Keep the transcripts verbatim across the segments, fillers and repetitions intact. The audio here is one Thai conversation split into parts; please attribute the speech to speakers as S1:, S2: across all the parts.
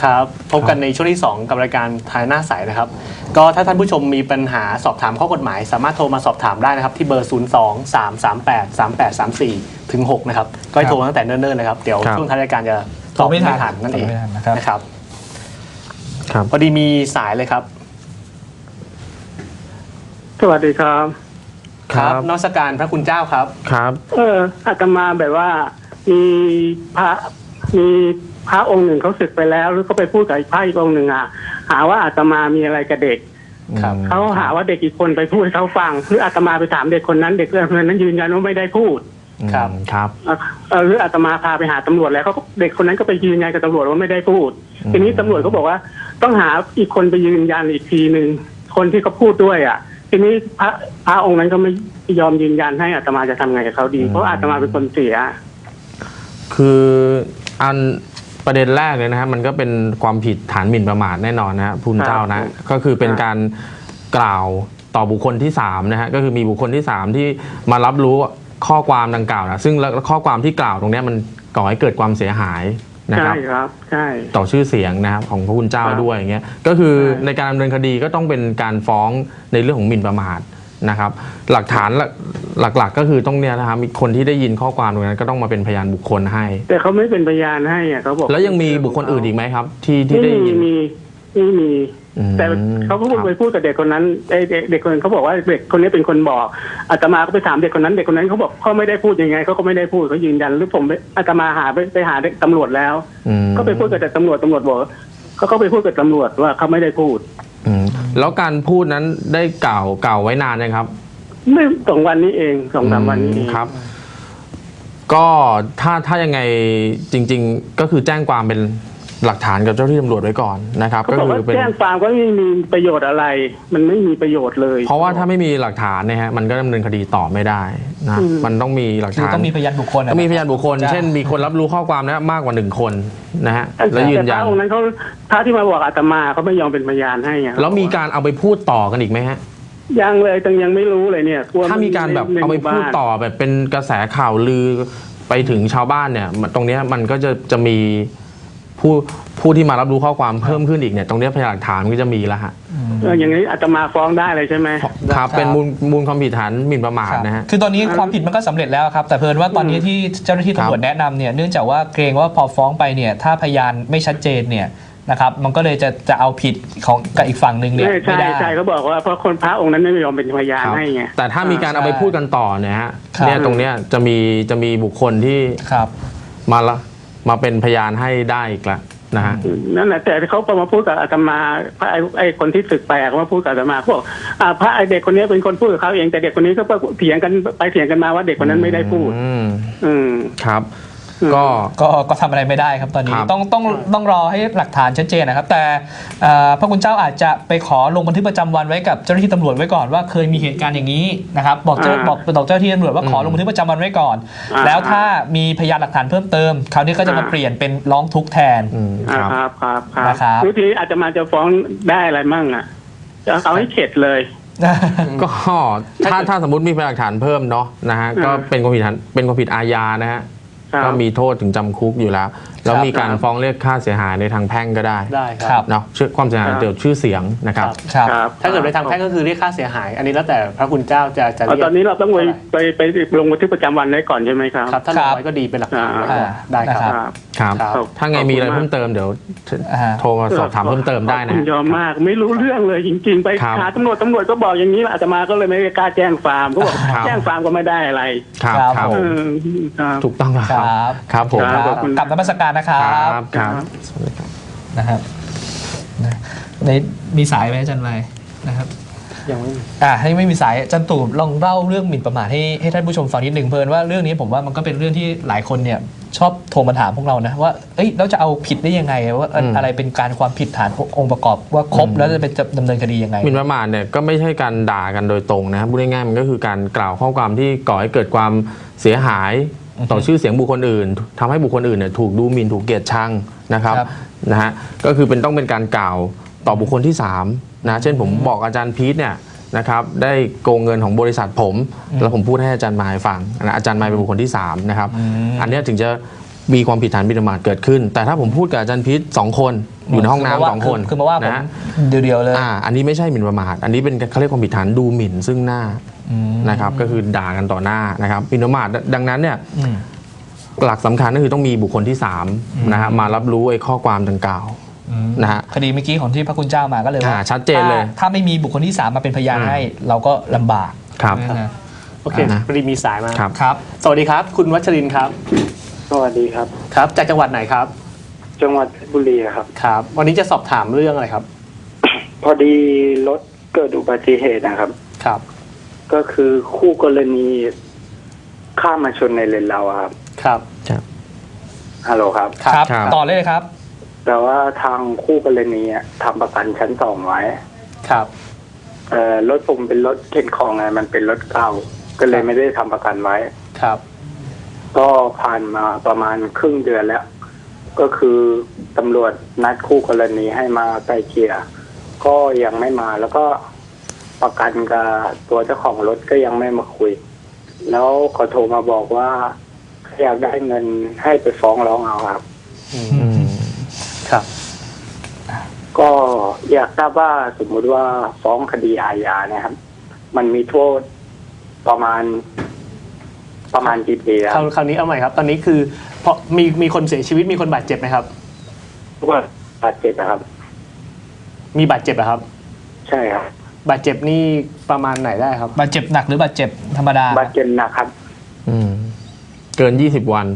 S1: ครับพบกันในช่วงที่สองกับรายการทายหน้าใสนะครับก็ถ้าท่านผู้ชมมีปัญหาสอบถามข้อกฎหมายสามารถโทรมาสอบถามได้นะครับที่เบอร์ ศูนย์ สอง สาม สาม แปด สาม แปด สาม สี่ ถึง หก นะครับก็ให้โทรตั้งแต่เนิ่นๆเลยครับเดี๋ยวช่วงท้ายรายการจะตอบไม่ทันนั่นเองนะครับพอดีมีสายเลยครับ
S2: สวัสดีครับ
S1: ครับนมัสการพระคุณเจ้าครับ
S2: ครับเอออาตมาแบบว่ามีพระมีพระองค์หนึ่งเขาสึกไปแล้วหรือเขาไปพูดกับอีกพระอีกองค์หนึ่งอ่ะหาว่าอาตมามีอะไรกับเด็กเขาหาว่าเด็กอีกคนไปพูดเขาฟังหรืออาตมาไปถามเด็กคนนั้นเด็กคนนั้นยืนยันว่าไม่ได้พูด
S1: ครับครับ
S2: หรืออาตมาพาไปหาตำรวจแล้วเขาเด็กคนนั้นก็ไปยืนยันกับตำรวจว่าไม่ได้พูดทีนี้ตำรวจเขาบอกว่าต้องหาอีกคนไปยืนยันอีกทีหนึ่งคนที่เขาพูดด้วยอ่ะทีนี้พระพระองค์นั้นก็ไม่ยอมยืนยันให้อาตมาจะทำไงกับเขาดีเพราะอาตมาเป็นคนเสีย
S3: คืออันประเด็นแรกเลยนะฮะมันก็เป็นความผิดฐานหมิ่นประมาทแน่นอนนะฮะพูนเจ้านะก็คือเป็นการกล่าวต่อบุคคลที่สามนะฮะก็คือมีบุคคลที่สามที่มารับรู้ข้อความดังกล่าวนะซึ่งข้อความที่กล่าวตรงนี้มันก่อให้เกิดความเสียหายนะครับ
S2: ใช่ครับใช่
S3: ต่อชื่อเสียงนะครับของพระคุณเจ้าด้วยอย่างเงี้ยก็คือในการดำเนินคดีก็ต้องเป็นการฟ้องในเรื่องของหมิ่นประมาทนะครับหลักฐานหลักๆก็คือต้องเนี่ยนะครับมีคนที่ได้ยินข้อความตรงนั้นก็ต้องมาเป็นพยานบุคคลให้
S2: แต่เขาไม่เป็นพยานให้อ่ะเขาบอก
S3: แล้วยังมีบุคคลอื่นอีกไหมครับที่ที่ได้ยิน
S2: มีไม่มีแต่เขาพูดไปพูดกับเด็กคนนั้นเด็กคนนั้นเขาบอกว่าเด็กคนนี้เป็นคนบอกอาตมาก็ไปถามเด็กคนนั้นเด็กคนนั้นเขาบอกเขาไม่ได้พูดยังไงเขาก็ไม่ได้พูดเขายืนยันหรือผมอาตมาหาไปไปหาตำรวจแล้วก็ไปพูดกับแต่ตำรวจตำรวจบอกเขาก็ไปพูดกับตำรวจว่าเขาไม่ได้พูด
S3: แล้วการพูดนั้นได้กล่าวกล่าวไว้นานยังครับ
S2: ไม่สองวันนี้เองสองสามวันนี้
S3: ครับก็ถ้าถ้ายังไงจริงๆก็คือแจ้งความเป็นหลักฐานกับเจ้าที่ตำรวจไว้ก่อนนะครับ
S2: ก็คือแจ้งความก็ไม่มีประโยชน์อะไรมันไม่มีประโยชน์เลย
S3: เพราะว่าถ้าไม่มีหลักฐานเนี่ยฮะมันก็ดำเนินคดีต่อไม่ได้นะมันต้องมีหลักฐาน
S1: ต้องมีพยานบุคคล
S3: ต้องมีพยานบุคคลเช่นมีคนรับรู้ข้อความนะมากกว่าหนึ่งคนนะฮะแล้วยืนยัน
S2: แต่พระองค์นั้นเขาพระที่มาบอกอาตมาเขาไม่ยอมเป็นพยานให้
S3: แล้วมีการเอาไปพูดต่อกันอีกไหมฮะ
S2: ยังเลยแต่ยังไม่รู้เลยเนี่ย
S3: ถ้ามีการแบบเอาไปพูดต่อแบบเป็นกระแสข่าวลือไปถึงชาวบ้านเนี่ยตรงนี้มันก็จะจะมีผู้ผู้ที่มารับรู้ข้อความเพิ่มขึ้นอีกเนี่ยตรงนี้พยานหลักฐานก็จะมีแล้วฮะ
S2: อย่างนี้อาตมาฟ้องได้เลยใช่ไหม
S3: ครับเป็นมูลมูลความผิดฐานหมิ่นประมาทนะฮะ
S1: คือตอนนี้ความผิดมันก็สำเร็จแล้วครับแต่เพิ่นว่าตอนนี้ที่เจ้าหน้าที่ตำรวจแนะนำเนี่ยเนื่องจากว่าเกรงว่าพอฟ้องไปเนี่ยถ้าพยานไม่ชัดเจนเนี่ยนะครับมันก็เลยจะจะเอาผิดของกับอีกฝั่งหนึ่งเนี่ย
S2: ไม่ได้ใช่เขาบอกว่าเพราะคนพระองค์นั้นไม่ยอมเป็นพยานให้ไง
S3: แต่ถ้ามีการเอาไปพูดกันต่อเนี่ยฮะเนี่ยตรงเนี้ยจะมีจะมีบุคคลที่มาละมาเป็นพยานให้ได้อีกละนะฮะ
S2: นั่นแหละแต่เขาพอมาพูดกับอาตมาพระไอ้คนที่ศึกไปเขามาพูดกับอาตมาพวกพระไอเด็กคนนี้เป็นคนพูดกับเขาเองแต่เด็กคนนี้ก็เถียงกันไปเถียงกันมาว่าเด็กคนนั้นไม่ได้พูด
S3: อืมครับก็
S1: ก็ก็ทำอะไรไม่ได้ครับตอนนี้ต้องต้องต้องรอให้หลักฐานชัดเจนนะครับแต่พระคุณเจ้าอาจจะไปขอลงบันทึกประจำวันไว้กับเจ้าหน้าที่ตำรวจไว้ก่อนว่าเคยมีเหตุการณ์อย่างนี้นะครับบอกเจ้าบอกบอกเจ้าหน้าที่ตำรวจว่าขอลงบันทึกประจำวันไว้ก่อนแล้วถ้ามีพยานหลักฐานเพิ่มเติมคราวนี้ก็จะมาเปลี่ยนเป็นร้องทุกข์แทน
S2: ครับครับครับวิธีอาจจะมาจะฟ้องได้อะไรมั่งอ่ะจะเอาให้เข็ดเลย
S3: ก็ถ้าถ้าสมมติมีพยานหลักฐานเพิ่มเนาะนะฮะก็เป็นความผิดเป็นความผิดอาญานะฮะก็มีโทษถึงจำคุกอยู่แล้วแล้วมีการฟ้องเรียกค่าเสียหายในทางแพ่งก็ได้
S1: ได้ครับ
S3: เนาะชื่อความเสียหายเกี่ยวกับชื่อเสียงนะครับ
S1: ถ้าเกิดในทางแพ่งก็คือเรียกค่าเสียหายอันนี้แล้วแต่พระคุณเจ้าจะจะเรียก
S2: ตอนนี้เราต้องไปไปไปลงบันทึกประจำวันไว้ก่อนใช่ไหมครับ
S1: ครับถ้าลงไว้ก็ดีเป็นหลักฐานได้ครับ
S3: ครับถ้าไงมีอะไรเพิ่มเติมเดี๋ยวโทรมาสอบถามเพิ่มเติมได้นะ
S2: ยอมมากไม่รู้เรื่องเลยจริงๆไปหาตำรวจตำรวจก็บอกอย่างนี้อาตมาก็เลยไม่กล้าแจ้งฟาร์มก็บอกแจ้งฟาร์มก็ไม่ได้อะไร
S3: ครับครับถูกต้องครับครับผม
S1: กลับนมัสการนะครับ
S3: ครับ
S1: นะครับในมีสายไหมอาจารย์ไม้นะครับ
S2: ยังไม่มี
S1: อ่าให้ไม่มีสายอาจารย์ตู่ลองเล่าเรื่องหมิ่นประมาทให้ให้ท่านผู้ชมฟังนิดหนึ่งเพิ่นว่าเรื่องนี้ผมว่ามันก็เป็นเรื่องที่หลายคนเนี่ยชอบโทรมาถามพวกเรานะว่าเอ้ยเราจะเอาผิดได้ยังไงว่าอะไรเป็นการความผิดฐานองค์ประกอบว่าครบแล้วจะเป็นดำเนินคดียังไง
S3: หมิ่นประมาทเนี่ยก็ไม่ใช่การด่ากันโดยตรงนะครับพูดง่ายๆมันก็คือการกล่าวข้อความที่ก่อให้เกิดความเสียหายต่อชื่อเสียงบุคคลอื่นทำให้บุคคลอื่นเนี่ยถูกดูหมิ่นถูกเกลียดชังนะครับนะฮะก็คือเป็นต้องเป็นการกล่าวต่อบุคคลที่สามนะเช่นผมบอกอาจารย์พีทเนี่ยนะครับได้โกงเงินของบริษัทผมแล้วผมพูดให้อาจารย์มายฟังนะอาจารย์มายเป็นบุคคลที่สามนะครับอันนี้ถึงจะมีความผิดฐานหมิ่นประมาทเกิดขึ้น แต่ถ้าผมพูดกับอาจารย์พิษสองคนอยู่ในห้องน้ำสองคน
S4: คือมาว่าผม
S3: นะ
S4: เดียวๆเลย
S3: อ่าอันนี้ไม่ใช่หมิ่นประมาทอันนี้เป็นเขาเรียกความผิดฐานดูหมิ่นซึ่งหน้านะครับก็คือด่ากันต่อหน้านะครับหมิ่นประมาทดังนั้นเนี่ยหลักสำคัญก็คือต้องมีบุคคลที่สามนะฮะมารับรู้ไอ้ข้อความดังกล่าวนะฮะ
S4: คดีเมื่อกี้ของที่พระคุณเจ้ามาก็เลยว่า
S3: ชัดเจนเลย
S4: ถ้าไม่มีบุคคลที่สามมาเป็นพยานให้เราก็ลำบาก
S3: ครับ
S1: โอเคพอดีมีสายมา
S3: ครับ
S4: ครับ
S1: สวัสดีครับ คุณวัชรินทร์ครับ
S2: สวัสดีครับ
S1: ครับ จากจังหวัดไหนครับ
S2: จังหวัดเพชรบุรีครับ
S1: ครับ วันนี้จะสอบถามเรื่องอะไรครับ
S2: พอดีรถเกิดอุบัติเหตุนะครับ
S1: ครับ
S2: ก็คือคู่กรณีข้ามมาชนในเลนเราอะครับ
S1: ครับ
S2: ฮัลโหลครับ
S4: ครับ
S3: ครับ
S4: ต่อเลยครับ
S2: แต่ว่าทางคู่กรณีอะทำประกันชั้นสองไว้
S1: ครับ
S2: เอ่อรถผมเป็นรถเข็นของไงมันเป็นรถเก่าก็เลยไม่ได้ทำประกันไว้
S1: ครับ
S2: ก็ผ่านมาประมาณครึ่งเดือนแล้ว ก็คือตำรวจนัดคู่กรณีให้มาไกลเกลี่ยก็ยังไม่มาแล้วก็ประกันกับตัวเจ้าของรถก็ยังไม่มาคุย แล้วเขาโทรมาบอกว่าอยากได้เงินให้ไปฟ้องร้องเอาครับ
S1: อืมครับ
S2: ก็อยากทราบว่าสมมุติว่าฟ้องคดีอาญาเนี่ยครับ มันมีโทษประมาณ ประมาณกี่ปีค
S1: ค
S2: รั
S1: รา
S2: บ
S1: วคราวนี้เอาใหม่ครับ ตอนนี้คือเพราะมีมีคนเสียชีวิตมีคนบาดเจ็บไหมครับ
S2: ว่าบาดเจ็บนะครับ
S1: มีบาดเจ็บเหรอครับ
S2: ใช่ครับ
S1: บาดเจ็บนี่ประมาณไหนได้ครับ
S4: บาดเจ็บหนักหรือบาดเจ็บธรรมดา
S2: บาดเจ็บหนักครับ
S3: อืมเกินยี่สิบวัน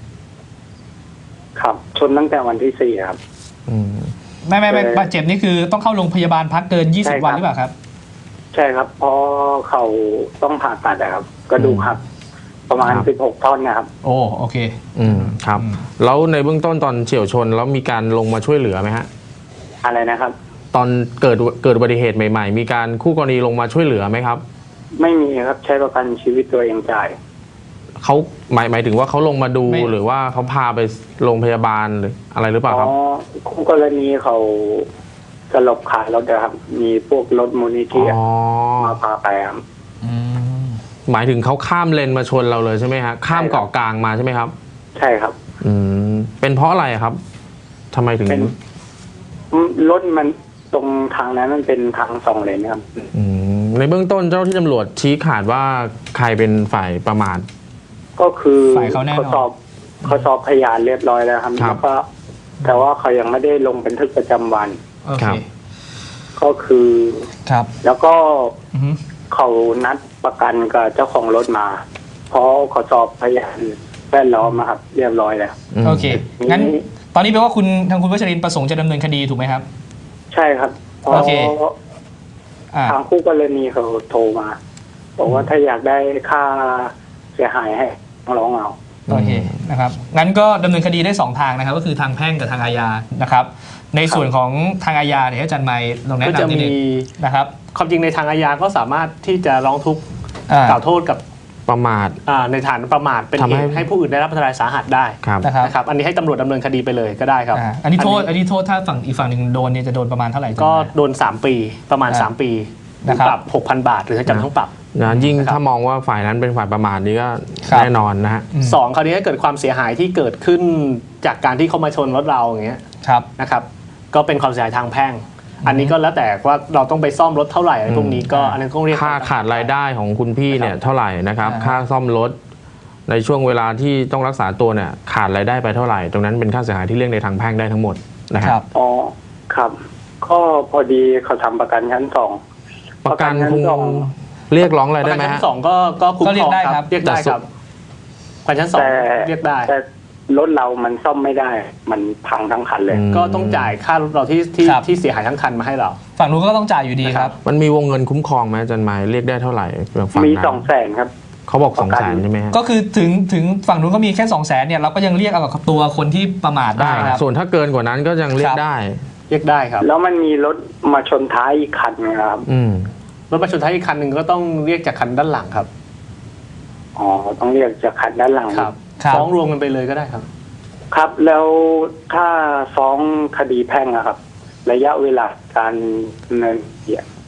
S2: ครับ ชนตั้งแต่วันที่สี่ครับ
S3: อืม
S4: ไม่ไม่ไม่
S2: เอ่อ
S4: บาดเจ็บนี่คือต้องเข้าโรงพยาบาลพักเกิน
S2: ใช่
S4: ยี่สิบ
S2: ครับ
S4: วันหรือเปล่าครับ
S2: ใช่ครับเพราะเขาต้องผ่าตัดนะครับกระดูกหักประมาณ
S3: ครับ
S2: สิบหกท่อนนะครับ
S4: โอ้โอเค
S3: อืมครับ
S4: อืม
S3: แล้วในเบื้องต้นตอนเฉี่ยวชนแล้วมีการลงมาช่วยเหลือไหมฮะ
S2: อะไรนะครับ
S3: ตอนเกิดเกิดอุบัติเหตุใหม่ๆ มีการคู่กรณีลงมาช่วยเหลือไหมครับ
S2: ไม่มีครับใช้ประกันชีวิตตัวเองจ่าย
S3: เขาหมายหมายถึงว่าเขาลงมาดู
S4: ไม่
S3: หรือว่าเขาพาไปโรงพยาบาลหรืออะไรหรือเปล่า
S2: อ๋อ
S3: ครับ
S2: คู่กรณีเขาสลบขายรถนะครับ มีพวกรถมูลนิธิ
S3: อ๋อ
S2: มาพาไปครับ
S4: อืม
S3: หมายถึงเขาข้ามเลนมาชนเราเลยใช่ไหมฮะข้ามเกาะกลางมาใช่ไหมครับ
S2: ใช่ครับ
S3: อืมเป็นเพราะอะไรครับทำไมถึง
S2: เป็นรถมันตรงทางนั้นมันเป็นทางสองเลนครับ
S3: อืมในเบื้องต้นเจ้าที่ตำรวจชี้ขาดว่าใครเป็นฝ่ายประมาท
S2: ก็คือ
S4: ฝ่ายเขาแน่นอน
S2: เขาสอบเขาสอบพยานเรียบร้อยแล้วครับ
S3: ครับ
S2: แล้วก็แต่ว่าเขายังไม่ได้ลงบันทึกประจำวัน
S4: โอ
S3: ค
S4: เค
S3: รับ
S2: ก็คือ
S4: ครับ
S2: แล้วก็
S4: อือฮึ
S2: เขานัดประกันกับเจ้าของรถมา เพราะเขาสอบพยานแวดล้อมมาครับ เรียบร้อยแล้ว
S3: ม
S4: โอเคงั้นตอนนี้แปลว่าคุณทางคุณวัชรินทร์ประสงค์จะดำเนินคดีถูกไหมครับ
S2: ใช่ครับเพราะ
S4: โอเค อ่า
S2: ทางคู่กรณีเขาโทรมาบอกว่าถ้าอยากได้ค่าเสียหายให้ร้องเอา
S4: โอเคนะครับงั้นก็ดำเนินคดีได้สองทางนะครับ ก็คือทางแพ่งกับทางอาญานะครับ ในส่วนของทางอาญาเนี่ยอาจารย์ไมค์ลองแนะ
S1: ก็จะ
S4: นำนิด
S1: มี
S4: นึงนะครับ
S1: ความจริงในทางอาญาก็สามารถที่จะร้องทุกข์
S4: อ่าก
S1: ล่าวโทษกับ
S3: ประมาท
S1: อ่าในฐานประมาทเป็น
S3: ทำ
S1: เห
S3: ให้
S1: ตุให้ผู้อื่นได้รับอันตรายสาหัสได้
S3: ครับ
S4: นะครับ
S1: นะครับ อันนี้ให้ตำรวจดำเนินคดีไปเลยก็ได้ครับ
S4: อ่าอันนี้โทษอันนี้โทษถ้าฝั่งอีกฝั่งหนึ่งโดนเนี่ยจะโดนประมาณเท่าไหร่
S1: ก็
S4: อาจารย์ไมค์
S1: โดนสามปีประมาณ
S4: อ่า
S1: สามปีหรือ
S4: นะครับ
S1: ปรับหกพันบาท หรือทั้งจำทั้งปรับ
S3: นะยิ่ง
S1: นะครับ
S3: ถ้ามองว่าฝ่ายนั้นเป็นฝ่ายประมาทนี่ก็
S4: ครับ
S3: แน่นอนนะฮะ
S4: อืม
S1: สองคราวนี้ถ้าเกิดความเสียหายที่เกิดขึ้นจากการที่เขามาชนรถเราอย่างเงี้ย
S4: ครับ
S1: นะครับก็เป็นความเสียหายทางแพ่ง อันนี้ก็แล้วแต่ว่าเราต้องไปซ่อมรถเท่าไหร่อะไรพวกนี้ก็
S4: อืม
S1: อันนั้นก็เรียก
S3: ค่าขาดรายได้ของคุณพี่เนี่ย
S1: นะครับ
S3: เท่าไหร่นะครับ
S4: อ่า
S3: ค่าซ่อมรถในช่วงเวลาที่ต้องรักษาตัวเนี่ยขาดรายได้ไปเท่าไหร่ ตรงนั้นเป็นค่าเสียหายที่เรียกในทางแพ่งได้ทั้งหมดนะค
S4: ค
S3: รั
S4: รับ บ
S2: อ๋อครับก็พอดีเขาทำประกันชั้นสอง
S3: ประกัน
S2: ประกัน
S3: คง
S2: ชั้นสอง
S3: เรียกร้องอะไร
S1: ประ
S3: ได้
S1: กัน
S3: ไหม
S1: ชั้
S3: ฮะ
S1: นสองก็ก็คุ้ม
S4: ก็
S1: ค
S4: เรี
S1: ร
S4: ย
S1: อก ง
S4: ได้
S1: ค
S4: ครั
S1: รับ บเรียกได้ครับประกันชั้นสอง
S2: แต่
S1: เรียกได้
S2: แต่รถเรามันซ่อมไม่ได้ มันพังทั้งคันเลย
S3: อืม
S1: ก็ต้องจ่ายค่ารถเราที่ที่
S4: ครับ
S1: ที่เสียหายทั้งคันมาให้เรา
S4: ฝั่งนู้นก็ต้องจ่ายอยู่ดีครับ
S3: มันมีวงเงินคุ้มครองไหมอาจารย์หมายเรียกได้เท่าไหร่ฝั่ง
S2: มี
S3: นั้น
S2: สองแสนครับ
S3: เขาบอก
S2: ป
S3: สอง
S2: ระกัน
S3: แสนใช่ไหมฮะ
S4: ก็คือถึงถึงฝั่งนู้นก็มีแค่สองแสนเนี่ยเราก็ยังเรียกเอากับตัวคนที่ประมาทได้ครับ
S3: ส่วนถ้าเกินกว่านั้นก็ยังเรีย
S4: ค
S3: ก
S4: รับ
S3: ได้
S1: เรียกได้ครับ
S2: แล้วมันมีรถมาชนท้ายอีกคันนะครับ
S3: อืม
S1: รถประชนท้ายอีกคันหนึ่งก็ต้องเรียกจากคันด้านหลังครับ
S2: อ๋อต้องเรียกจากคันด้านหลัง
S1: ครับ
S4: ครับ
S1: ฟ้องรวมกันไปเลยก็ได้ครับ
S2: ครับ แล้วถ้าฟ้องคดีแพ่งอะครับ ระยะเวลาการดำเนินคดีอะ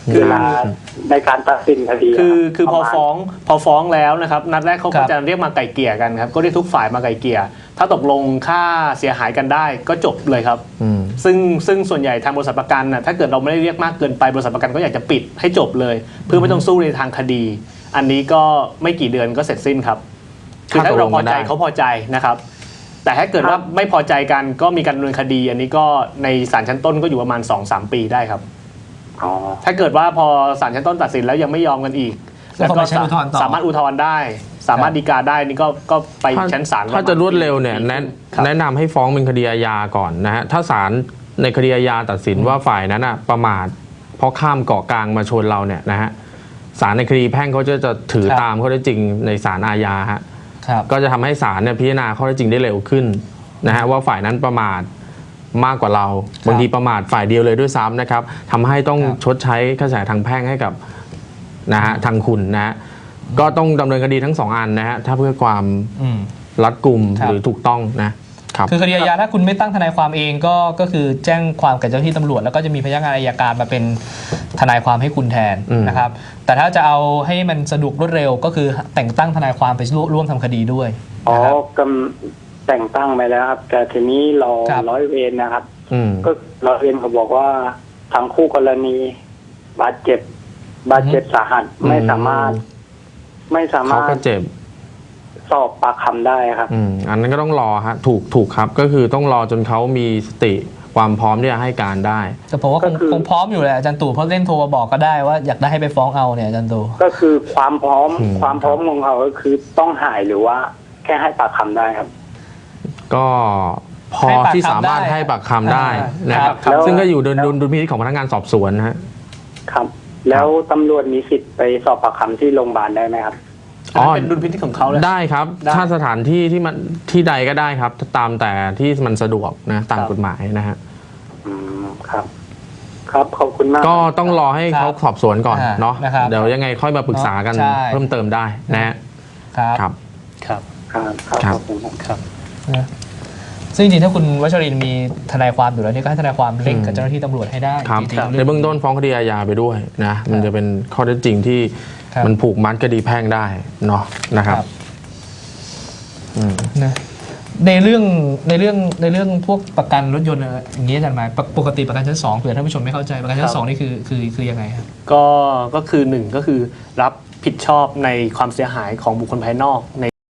S1: คือ
S2: เวลาในการตัดสินคดี
S1: คือ
S2: รับ
S1: คือพอ
S2: ประมาณ
S1: ฟ้องพอฟ้องแล้วนะครับนัดแรกเขา
S4: ครั
S1: ก็
S4: บ
S1: จะเรียกมาไกล่เกลี่ยกันครับก็เรียกทุกฝ่ายมาไกล่เกลี่ยถ้าตกลงค่าเสียหายกันได้ก็จบเลยครับ
S3: อืม
S1: ซึ่งซึ่งส่วนใหญ่ทางบริษัทประกันน่ะถ้าเกิดเราไม่ได้เรียกมากเกินไปบริษัทประกันก็อยากจะปิดให้จบเลย เพื่อไม่ต้องสู้ในทางคดี อันนี้ก็ไม่กี่เดือนก็เสร็จสิ้นครับคือถ้าเราพอใจเขาพอใจนะครับ แต่ถ้าเกิดว่าไม่พอใจกันก็มีการดำเนินคดี อันนี้ก็ในศาลชั้นต้นก็อยู่ประมาณ สองถึงสาม ปีได้ครับ
S2: อ๋อ
S1: ถ้าเกิดว่าพอศาลชั้นต้นตัดสินแล้วยังไม่ยอมกันอีก
S4: ก็
S1: แล้ว
S4: เข้า
S1: ก็
S4: ไปชั้นอุทธรณ์ต่อ
S1: สามารถอุทธรณ์ได้ สามารถฎีกาได้นี่ก็ก็ไปชั้นศาล
S3: ถ้าจะรวดเร็วเนี่ยแนะ
S1: ครับ
S3: แนะนำให้ฟ้องเป็นคดีอาญาก่อนนะฮะถ้าศาลในคดีอาญาตัดสินว่าฝ่ายนั้นอ่ะประมาทเพราะข้ามเกาะกลางมาชนเราเนี่ยนะฮะศาลในคดีแพ่งเขาจะจะถือ
S4: ครับ
S3: ตามข้อเท็จจริงในศาลอาญาฮะ
S4: ครับ
S3: ก็จะทำให้ศาลเนี่ยพิจารณาข้อเท็จจริงได้เร็วขึ้นนะฮะว่าฝ่ายนั้นประมาทมากกว่าเราบางทีประมาทฝ่ายเดียวเลยด้วยซ้ำนะครับทำให้ต้อง
S4: ครับ
S3: ชดใช้ค่าเสียหายทางแพ่งให้กับนะฮะทางคุณนะฮะก็ต้องดำเนินคดีทั้งสองอันนะฮะถ้าเพื่อความ
S4: อืม
S3: รัดกุม
S4: ครับ
S3: หรือถูกต้องนะครับ
S4: คือคดีอาญาถ้าคุณไม่ตั้งทนายความเองก็ก็คือแจ้งความกับเจ้าหน้าที่ตำรวจแล้วก็จะมีพนักงานอัยการมาเป็นทนายความให้คุณแทน
S3: อืม
S4: นะครับ แต่ถ้าจะเอาให้มันสะดวกรวดเร็ว ก็คือแต่งตั้งทนายความไปร่วมทำคดีด้วย
S2: อ๋อ
S4: นะครับ
S2: กำแต่งตั้งไปแล้วครับ แต่ทีนี้รอ
S4: ครับ
S2: ร้อยเวรนะครับ
S3: อืม
S2: ก็ร้อยเวรเขาบอกว่าทางคู่กรณี บาดเจ็บ บาดเจ็บสาหัส
S3: อืม
S2: ไม่สามารถ ไม่สา
S3: เขา
S2: มาร
S3: ก็
S2: ถ
S3: เจ็บ
S2: สอบปากคำได้ครับ
S3: อืมอันนั้นก็ต้องรอฮะถูกถูกครับ ก็คือต้องรอจนเขามีสติความพร้อมที่จะให้การได้
S4: แต่ผมว่าค
S2: ก็
S4: ง
S2: คือ
S4: คงพร้อมอยู่แหละอาจารย์ตู่เพราะเล่นโทรมาบอกก็ได้ว่าอยากได้ให้ไปฟ้องเอาเนี่ยอาจารย์ตู่
S2: ก็คือความพร้อม
S3: อืม
S2: ความพร้อมของเขาก็คือต้องหายหรือว่าแค่ให้ปากคำได้ครับ
S3: ก็พอ
S4: ให้ปากคำ
S3: ที่สามารถ
S4: ได้
S3: ให้ปากคำได้
S4: อ่าน
S3: นะครับ
S2: ครับ
S3: ซึ่งก็อยู่ดุล
S2: แล้ว
S3: ดุลดุลพินิจของพนักงานสอบสวนนะฮะ
S2: ครับ แล้วตำรวจมีสิทธิ์ไปสอบปากคำที่โรงพยาบาลได้ไหมครับ
S1: อันนั้นเป็นดุลพินิจของเขาเลย
S3: ได้ครับ
S1: ได้
S3: ถ้าสถานที่ที่มันที่ใดก็ได้ครับ ตามแต่ที่มันสะดวกนะตาม
S1: ครับ
S3: กฎหมายนะฮะ
S2: อืมครับ ครับขอบคุณมาก
S3: ก็ต้องรอให้เขาสอบสวนก่อน
S4: อ่า
S3: เนาะ
S4: นะครับ
S3: เดี๋ยวยังไงค่อยมาปรึกษากัน
S4: ใช่
S3: เพิ่มเติมได้นะฮะ
S4: ครับ
S3: ครับ
S1: ครับ
S2: ครับครับ
S3: ครับ
S2: ขอบคุณครับ
S1: ครับ
S4: นะซึ่งจริงๆถ้าคุณวัชรินทร์มีทนายความอยู่แล้วเนี่ยก็ให้ทนายความเร่งกับเจ้าหน้าที่ตำรวจให้ได้
S3: ครับ
S4: จริงๆ
S3: ในเบื้องต้นฟ้องคดีอาญาไปด้วยนะ มันจะเป็นข้อเท็จจริงที่
S4: ครับ
S3: มันผูกมัดคดีแพ่งได้เนาะนะครับอืม
S4: นะในเรื่องในเรื่องในเรื่องพวกประกันรถยนต์อะไรอย่างนี้อาจารย์หมายปกปกติประกันชั้นสองเผื่อท่านผู้ชมไม่เข้าใจประกันชั้
S1: ครั
S4: น
S1: บ
S4: สองนี่คือคือคือยังไงครับ
S1: ก็ก็คือหนึ่งก็คือรับผิดชอบในความเสียหายของบุคคลภายนอกใน